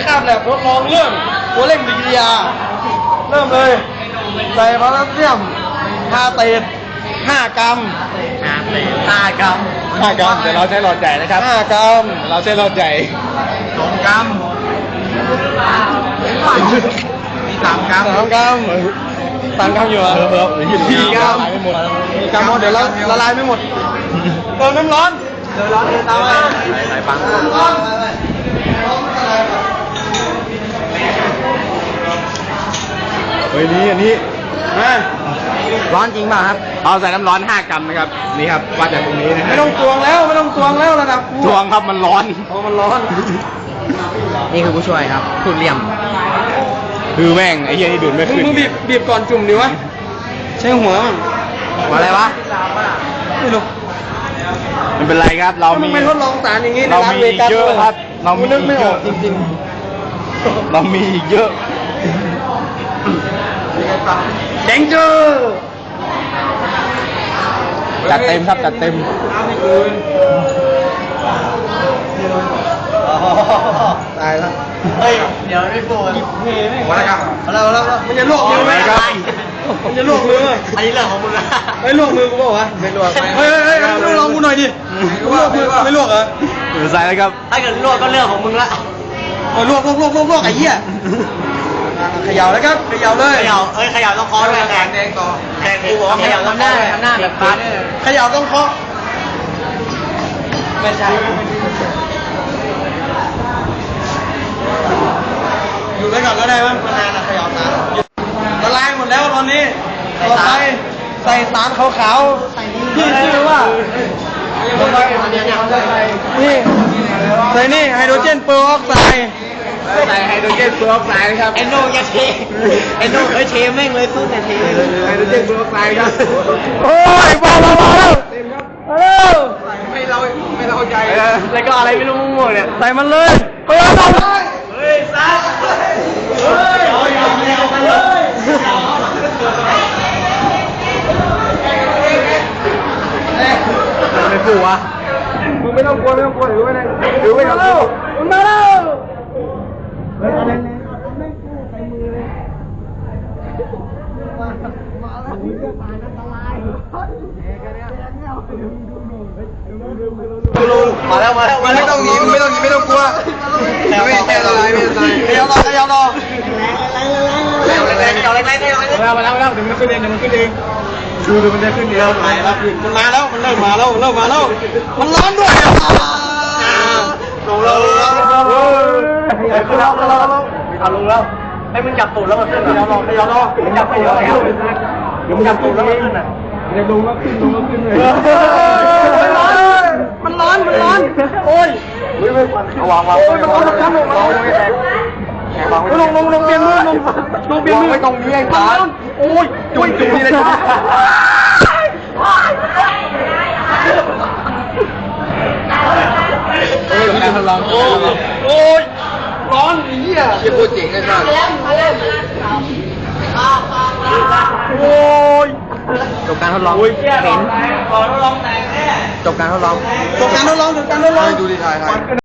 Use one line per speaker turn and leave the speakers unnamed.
คาบแหลกทดลองเรื่องตัวเร่งปฏิกิริยาเริ่มเลยใส่โพแทสเซียมคาเตต5 กรัม
5 กรัมเดี๋ยวเราใช้หลอดใหญ่นะครับ
5 กรัม
เราใช้หลอดใหญ่
2 กรัม
มี3 กรัม
3 กรัม3 กรัมอยู่อ่ะ4 กรัม4 กรัมเดี๋ยวละลายไม่หมดเติมน้ำร้อนตามมา
ใส่ปังเฮ้ยนี่อันนี้ร้อนจริงป่ะครับเอาใส่น้ำร้อน5 กรัมนะครับนี่ครับวัดจากตรงนี้นะ
ไม่ต้องตวงแล้วระดับ
ตวงครับมันร้อน
มันร้อน
นี่คือผู้ช่วยครับพูดเลี่ยมคือแม่งไอ้เหี้ยนี่ดูดไม่ขึ้น
มึงบีบก่อนจุ่มดิวะใช้หัวมั้ง
อะไรวะ
ไม่รู้
มันเป็นไรครับเรามี
ไม่ทดลองสารอย่างงี้
เรามีอีกเยอะครับเรามี
นึกไม่ออกจริง
ๆเรามีอีกเยอะ
แดงเจอ
จัดเต็มครับจัดเต็ม
ตายแล้ว
เฮ้ยเดี๋ยวไม่พูด
อะไรครับแล้วมันจะลวกมือไหมมันจะลวกมือ
อันนี้เรื่องของมึงนะ
ลวกมือกูบอกว่าไม่ลวกเฮ้ยลองกูหน่อยดิลวกมือไม่ลวกเหรอ
ใส่เลยครับ
ถ้าเกิดลวกก็เรื่องของมึงละลวกไอ้เหี้ยเขย่าแล้วครับเขย่าเลย
เขย่าต้องเคาะด้วยแข่งต่อแข่งกูบอกว่าเขย่าต้องหน้าแบบพัด
เขย่าต้องเคาะไม่ใช่อยู่ไปก่อนก็ได้มั้งนานนะเขย่าสารละลายหมดแล้วตอนนี้ต่อไปใส่สารขาวๆที่ชื่อว่านี่ใส่นี่ไฮโดรเจนเปอร์ออกไซด์
ใส่ไฮโดรเจนเปอร์ออกไซด์นะครับ
เอนโนจะเทเอนโนเทแม่งเลยสู้แต่เท
ไฮโดรเจนเปอร์ออกไซด์ครับ
โอ้ยมาแล้ว
ไม่เราใจ
แล้วก็อะไรไม่รู้มั่วเนี่ยใส่มันเลยเปิดเลยเฮ้ยซัดเฮ้ยเอากันเลย
ไม่ฟูวะ
มึงไม่ต้องกลัวถือไว้เลยถือไว้แล้วมันมาแล้วเฮ้ยอะไรเนี่ยไม่ฟูใส่มือเลยมาแล้วมึงจะตายอันตรายมาแล้วไม่ต้องหนีไม่ต้องกลัวไม่แค่อะไรไม่ใส่เดี๋ยวรอมาแล้วถึงมันขึ้นเองดูมันจะขึ้นเดียวมันมาแล้วมันเริ่มมาแล้วมันร้อนด้วยลงแล้วให้มึงจับตูดแล้วมันขึ้นไม่ยอมมึงจับไปเยอะแล้วเดี๋ยวมึงจับตูดแล้วมันขึ้นอ่ะจะลงแล้วขึ้นเลยมันร้อนโอ้ย
เอาวาง
โอ้ยมันร้อนลงเปลี่ยนมือลงเปลี่ยนมือ
ไม่ตรงนี้ไอ้สาร
โอ้ยจุ่มนี่เลยจ้า
การทดลอง
โอ้ยร้อนเหี้ย
จะพูดจริงกันนะ
โอ้ย
จบการทดลอง
เห็น
จบการทดลอง
ดูดีถ่าย